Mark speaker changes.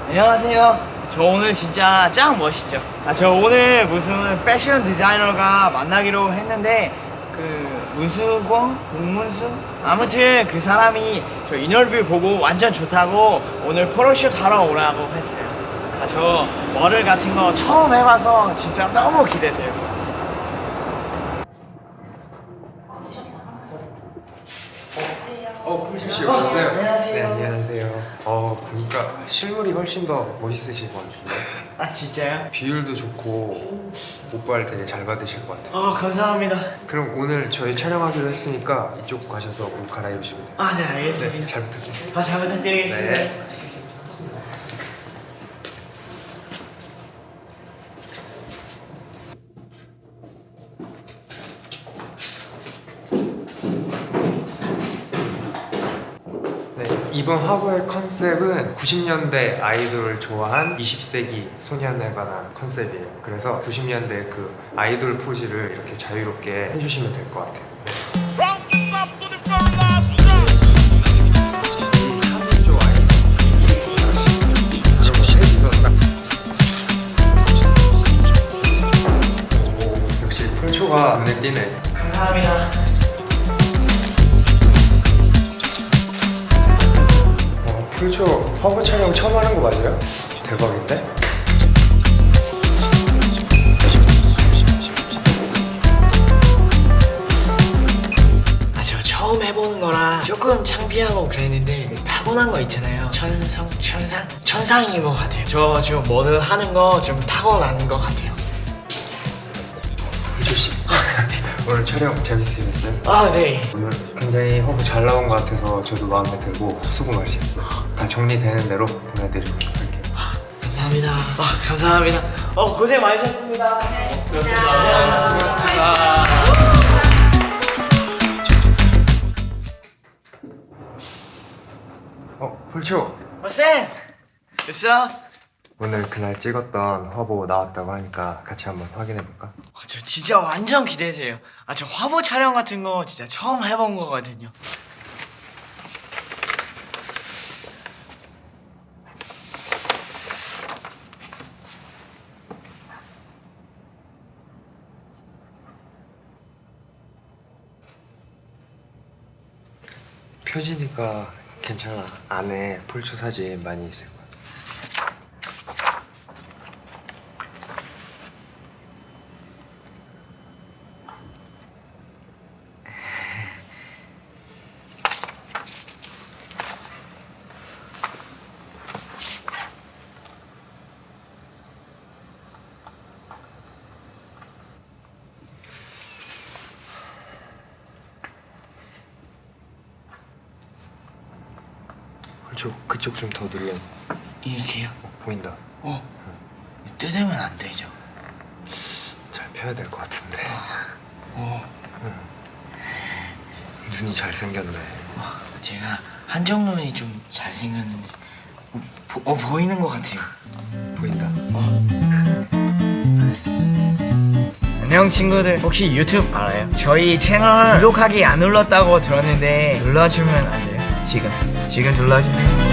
Speaker 1: 안녕하세요. 저 오늘 진짜 짱 멋있죠? 저 오늘 무슨 패션 디자이너가 만나기로 했는데 문수광? 문문수? 아무튼 그 사람이 저 인터뷰 보고 완전 좋다고 오늘 포토쇼 하러 오라고 했어요. 저 머리 같은 거 처음 해봐서 진짜 너무 기대돼요.
Speaker 2: 풀주씨 오셨어요?
Speaker 1: 안녕하세요.
Speaker 2: 네, 안녕하세요. 보니까 실물이 훨씬 더 멋있으실 것 같은데.
Speaker 1: 아 진짜요?
Speaker 2: 비율도 좋고 오빠를 되게 잘 받으실 것 같아요.
Speaker 1: 감사합니다.
Speaker 2: 그럼 오늘 저희 촬영하기로 했으니까 이쪽 가셔서 옷 갈아입으시면 돼요.
Speaker 1: 네 알겠습니다.
Speaker 2: 네, 잘 부탁드립니다.
Speaker 1: 잘 부탁드리겠습니다.
Speaker 2: 네. 네, 이번 화보의 컨셉은 90년대 아이돌을 좋아한 20세기 소년에 관한 컨셉이에요. 그래서 90년대 그 아이돌 포즈를 이렇게 자유롭게 해주시면 될 것 같아요. 역시 폴초가 눈에 띄네.
Speaker 1: 감사합니다.
Speaker 2: 폴초 화보 촬영 처음 하는 거 맞아요? 대박인데?
Speaker 1: 저 처음 해보는 거라 조금 창피하고 그랬는데 타고난 거 있잖아요. 천상인 것 같아요. 저 지금 뭐든 하는 거 좀 타고난 것 같아요.
Speaker 2: 폴초씨 오늘 촬영 재밌으셨어요?
Speaker 1: 네.
Speaker 2: 오늘 굉장히 화보 잘 나온 것 같아서 저도 마음에 들고 수고 많으셨어요. 다 정리되는 대로 보내드리도록 할게요.
Speaker 1: 감사합니다. 감사합니다. 고생 많으셨습니다.
Speaker 2: 폴초!
Speaker 1: 쌤! 됐어?
Speaker 2: 오늘 그날 찍었던 화보 나왔다고 하니까 같이 한번 확인해볼까?
Speaker 1: 저 진짜 완전 기대돼요. 저 화보 촬영 같은 거 진짜 처음 해본 거거든요.
Speaker 2: 표지니까 괜찮아. 안에 폴초 사진 많이 있을 거야. 그쪽 좀 더 눌러.
Speaker 1: 이렇게요?
Speaker 2: 보인다.
Speaker 1: 뜯으면 안 되죠.
Speaker 2: 잘 펴야 될 것 같은데. 눈이 잘생겼네.
Speaker 1: 제가 한쪽 눈이 좀 잘생겼는데 보이는 것 같아요.
Speaker 2: 보인다.
Speaker 1: 안녕 친구들, 혹시 유튜브 알아요? 저희 채널 구독하기 안 눌렀다고 들었는데 눌러주면 안 돼요? 지금 눌러주세요.